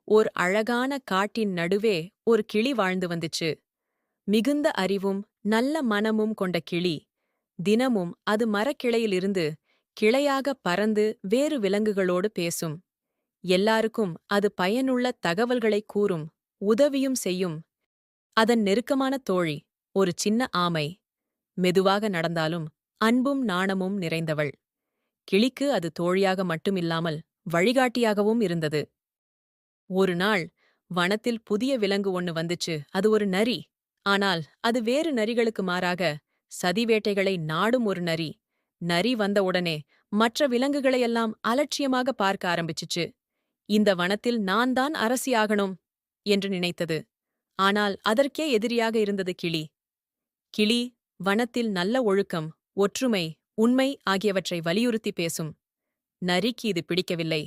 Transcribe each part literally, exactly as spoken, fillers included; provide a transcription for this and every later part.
ஓர் அழகான காட்டின் நடுவே ஒரு கிளி வாழ்ந்து வந்துச்சு. மிகுந்த அறிவும் நல்ல மனமும் கொண்ட கிளி. தினமும் அது மரக்கிளையிலிருந்து கிளையாக பறந்து வேறு விலங்குகளோடு பேசும். எல்லாருக்கும் அது பயனுள்ள தகவல்களை கூறும், உதவியும் செய்யும். அதன் நெருக்கமான தோழி ஒரு சின்ன ஆமை. மெதுவாக நடந்தாலும் அன்பும் நாணமும் நிறைந்தவள். கிளிக்கு அது தோழியாக மட்டுமில்லாமல் வழிகாட்டியாகவும் இருந்தது. ஒரு நாள் வனத்தில் புதிய விலங்கு ஒன்னு வந்துச்சு. அது ஒரு நரி. ஆனால் அது வேறு நரிகளுக்கு மாறாக சதி வேட்டைகளை நாடும் ஒரு நரி. நரி வந்தவுடனே மற்ற விலங்குகளையெல்லாம் அலட்சியமாக பார்க்க ஆரம்பிச்சுச்சு. இந்த வனத்தில் நான் தான் அரசியாகணும் என்று நினைத்தது. ஆனால் அதற்கே எதிரியாக இருந்தது கிளி. கிளி வனத்தில் நல்ல ஒழுக்கம், ஒற்றுமை, உண்மை ஆகியவற்றை வலியுறுத்தி பேசும். நரிக்கு இது பிடிக்கவில்லை.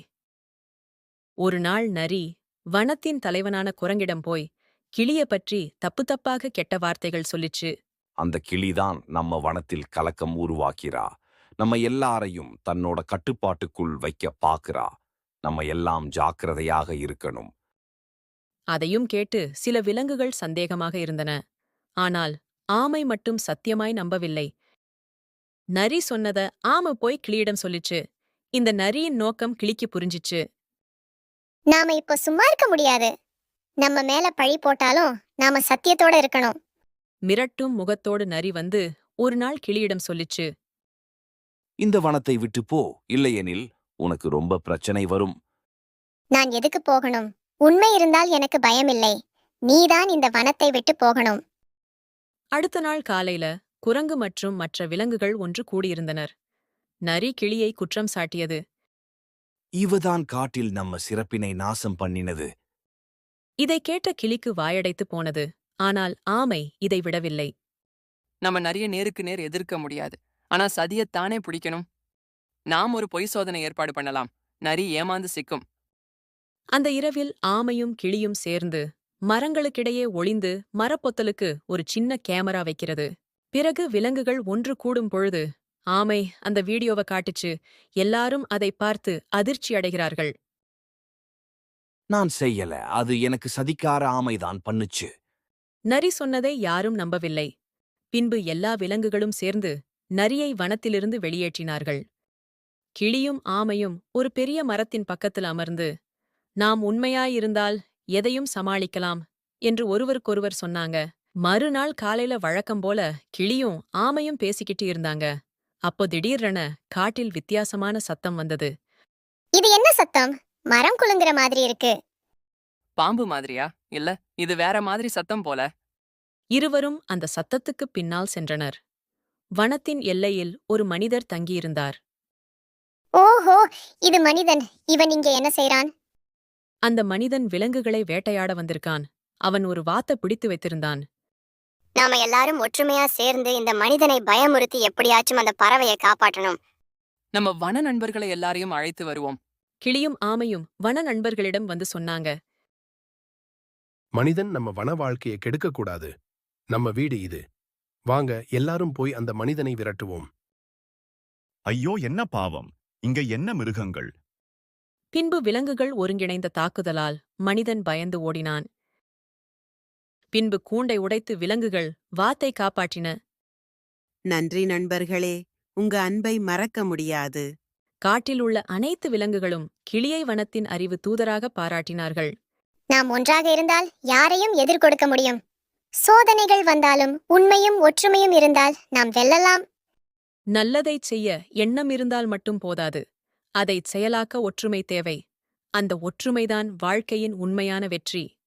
ஒரு நாள் நரி வனத்தின் தலைவனான குரங்கிடம் போய் கிளிய பற்றி தப்பு தப்பாக கெட்ட வார்த்தைகள் சொல்லிச்சு. அந்த கிளிதான் நம்ம வனத்தில் கலக்கம் உருவாக்கிறா. நம்ம எல்லாரையும் தன்னோட கட்டுப்பாட்டுக்குள் வைக்க பாக்குறா. நம்ம எல்லாம் ஜாக்கிரதையாக இருக்கணும். அதையும் கேட்டு சில விலங்குகள் சந்தேகமாக இருந்தன. ஆனால் ஆமை மட்டும் சத்தியமாய் நம்பவில்லை. நரி சொன்னத ஆமை போய் கிளியிடம் சொல்லிச்சு. இந்த நரியின் நோக்கம் கிளிக்கு புரிஞ்சிச்சு. நாம இப்போ சும்மா இருக்க முடியாது. நம்ம மேல பழி போட்டாலும் நாம சத்தியத்தோட இருக்கணும். மிரட்டும் முகத்தோடு நரி வந்து ஒரு நாள் கிளியிடம் சொல்லிச்சு. இந்த வனத்தை விட்டு போ, இல்லையெனில் உனக்கு ரொம்ப பிரச்சனை வரும். நான் எதுக்கு போகணும்? உண்மை இருந்தால் எனக்கு பயமில்லை. நீதான் இந்த வனத்தை விட்டு போகணும். அடுத்த நாள் காலையில குரங்கு மற்றும் மற்ற விலங்குகள் ஒன்று கூடியிருந்தனர். நரி கிளியை குற்றம் சாட்டியது. இவதான் காட்டில் நம்ம சிறப்பினை நாசம் பண்ணினது. இதை கேட்ட கிளிக்கு வாயடைத்து போனது. ஆனால் ஆமை இதை விடவில்லை. நம்ம நிறைய நேருக்கு நேர் எதிர்க்க முடியாது. ஆனா சதியத்தானே பிடிக்கணும். நாம் ஒரு பொய் சோதனை ஏற்பாடு பண்ணலாம். நரி ஏமாந்து சிக்கும். அந்த இரவில் ஆமையும் கிளியும் சேர்ந்து மரங்களுக்கிடையே ஒளிந்து மரப்பொத்தலுக்கு ஒரு சின்ன கேமரா வைக்கிறது. பிறகு விலங்குகள் ஒன்று கூடும் பொழுது ஆமை அந்த வீடியோவை காட்டுச்சு. எல்லாரும் அதை பார்த்து அதிர்ச்சி அடைகிறார்கள். நான் செய்யல, அது எனக்கு சதிக்கார ஆமைதான் பண்ணுச்சு. நரி சொன்னதை யாரும் நம்பவில்லை. பின்பு எல்லா விலங்குகளும் சேர்ந்து நரியை வனத்திலிருந்து வெளியேற்றினார்கள். கிளியும் ஆமையும் ஒரு பெரிய மரத்தின் பக்கத்தில் அமர்ந்து நாம் உண்மையாயிருந்தால் எதையும் சமாளிக்கலாம் என்று ஒருவருக்கொருவர் சொன்னாங்க. மறுநாள் காலையில வழக்கம் போல கிளியும் ஆமையும் பேசிக்கிட்டு இருந்தாங்க. அப்போ திடீரென காட்டில் வித்தியாசமான சத்தம் வந்தது. இது என்ன சத்தம்? மரம் குலுங்குற மாதிரி இருக்கு. பாம்பு மாதிரியா? இல்ல, இது வேற மாதிரி சத்தம் போல. இருவரும் அந்த சத்தத்துக்குப் பின்னால் சென்றனர். வனத்தின் எல்லையில் ஒரு மனிதர் தங்கியிருந்தார். ஓஹோ, இது மனிதன். இவன் இங்க என்ன செய்றான்? அந்த மனிதன் விலங்குகளை வேட்டையாட வந்திருக்கான். அவன் ஒரு வாத்தை பிடித்து வைத்திருந்தான். நாம எல்லாரும் ஒற்றுமையா சேர்ந்து இந்த மனிதனை பயமுறுத்தி எப்படியாச்சும் அந்த பறவையை காப்பாற்றணும். நம்ம வன நண்பர்களை எல்லாரையும் அழைத்து வருவோம். கிளியும் ஆமையும் வன நண்பர்களிடம் வந்து சொன்னாங்க. மனிதன் நம்ம வன வாழ்க்கையை கெடுக்கக்கூடாது. நம்ம வீடு இது. வாங்க எல்லாரும் போய் அந்த மனிதனை விரட்டுவோம். ஐயோ, என்ன பாவம்! இங்க என்ன மிருகங்கள்! பின்பு விலங்குகள் ஒருங்கிணைந்த தாக்குதலால் மனிதன் பயந்து ஓடினான். பின்பு கூண்டை உடைத்து விலங்குகள் வாத்தை காப்பாற்றின. நன்றி நண்பர்களே, உங்க அன்பை மறக்க முடியாது. காட்டில் உள்ள அனைத்து விலங்குகளும் கிளியை வனத்தின் அறிவு தூதராக பாராட்டினார்கள். நாம் ஒன்றாக இருந்தால் யாரையும் எதிர்கொடுக்க முடியும். சோதனைகள் வந்தாலும் உண்மையும் ஒற்றுமையும் இருந்தால் நாம் வெல்லலாம். நல்லதைச் செய்ய எண்ணம் இருந்தால் மட்டும் போதாது. அதைச் செயலாக்க ஒற்றுமை தேவை. அந்த ஒற்றுமைதான் வாழ்க்கையின் உண்மையான வெற்றி.